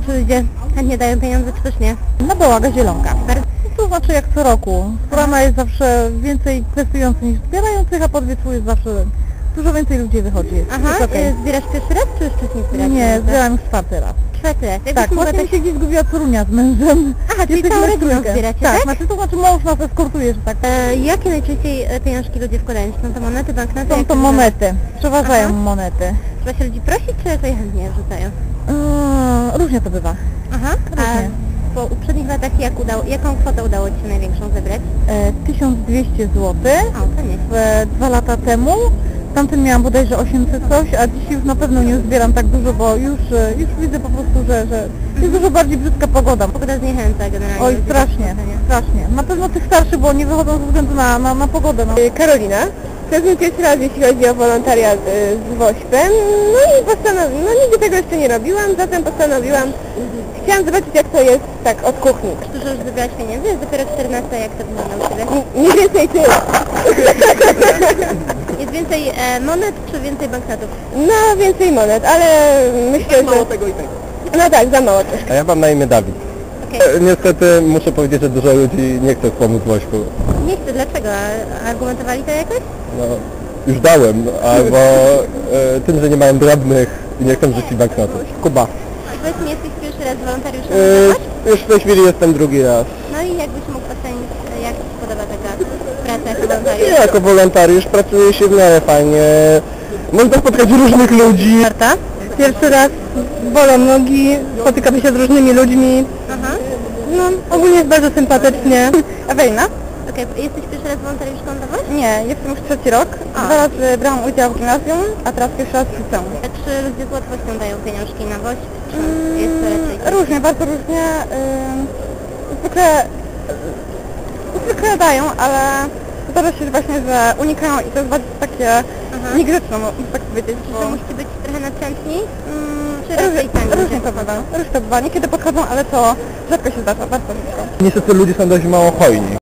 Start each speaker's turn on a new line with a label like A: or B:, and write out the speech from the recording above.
A: Czy ludzie chętnie dają pieniądze, czy też nie?
B: Na Bałaga Zielonka. To znaczy jak co roku. Strona jest zawsze więcej kwestionujących niż zbierających, a pod wieczór jest zawsze dużo więcej ludzi wychodzi.
A: Aha,
B: Jest okej.
A: zbierasz pierwszy raz, czy już wcześniej zbierasz?
B: Nie, zbieram już czwarty raz.
A: Czwarty raz.
B: Tak, właśnie mi się gdzieś zgubiła Torunia z mężem.
A: Aha, czyli całą rodziną zbieracie, tak?
B: Znaczy to znaczy mąż nas eskortuje, że tak.
A: Jakie najczęściej pieniążki ludzie wkładają? Są to monety, banknoty?
B: Są
A: Jak
B: to monety, przeważają
A: Aha.
B: monety.
A: Trzeba się ludzi prosić, czy jakoś chętnie wrzucają?
B: Różnie to bywa.
A: Aha,
B: Różnie.
A: a po uprzednich latach jaką kwotę udało Ci się największą zebrać?
B: 1200 zł.
A: O, to nie.
B: 2 lata temu. Tamtym miałam bodajże 800 coś, a dzisiaj już na pewno nie zbieram tak dużo, bo już widzę po prostu, że jest dużo bardziej brzydka pogoda.
A: Pogoda zniechęca generalnie.
B: Oj,
A: ludzi do
B: strasznie,
A: wrzucania.
B: strasznie. Na pewno tych starszych, bo nie wychodzą ze względu na pogodę. No.
C: Karolina. To jest mój pierwszy raz, jeśli chodzi o wolontariat z WOŚP-em. No i postanowiłam, nigdy tego jeszcze nie robiłam, zatem postanowiłam, chciałam zobaczyć jak to jest tak od kuchni.
A: Dużo już zebrałaś pieniędzy? Jest dopiero 14, jak to wygląda u Ciebie?
C: Nie więcej tyle.
A: Jest więcej monet, czy więcej banknotów?
C: No więcej monet, ale myślę, że...
D: tego i tego.
C: No tak, za mało też.
D: A ja mam na imię Dawid.
A: Okej.
D: Niestety muszę powiedzieć, że dużo ludzi nie chce pomóc Wośku.
A: Nie chcę, dlaczego? A argumentowali to jakoś?
D: No, już dałem, albo tym, że nie mają drobnych i nie chcą rzucić banknotów. Kuba.
A: I powiedz mi, jesteś pierwszy raz wolontariuszem, tak?
D: Już w tej chwili jestem drugi raz.
A: No i jakbyś mógł ocenić, jak Ci się podoba taka praca jako wolontariusz?
D: Ja jako wolontariusz pracuję się w miarę fajnie. Można spotkać różnych ludzi.
C: Marta. Pierwszy raz bolą nogi, spotykamy się z różnymi ludźmi.
A: Aha.
C: No, ogólnie jest bardzo sympatycznie. Ewelina?
A: Okej, jesteś pierwszy raz wolontariuszką dla Was?
C: Nie, jestem już trzeci rok.
A: A.
C: 2 razy brałam udział w gimnazjum, a teraz pierwszy raz w liceum.
A: Czy ludzie z łatwością dają pieniążki na WOŚP, czy jest to raczej...
C: Różnie, bardzo różnie. Zwykle dają, ale zdarza się właśnie, że unikają i to jest bardzo takie niegrzeczne, muszę tak powiedzieć.
A: Czy to musicie być trochę natrętni, czy raczej sami
C: Różnie to bywa. Różnie to bywa. Niekiedy podchodzą, ale to rzadko się zdarza, bardzo rzadko.
D: Niestety ludzie są dość mało hojni.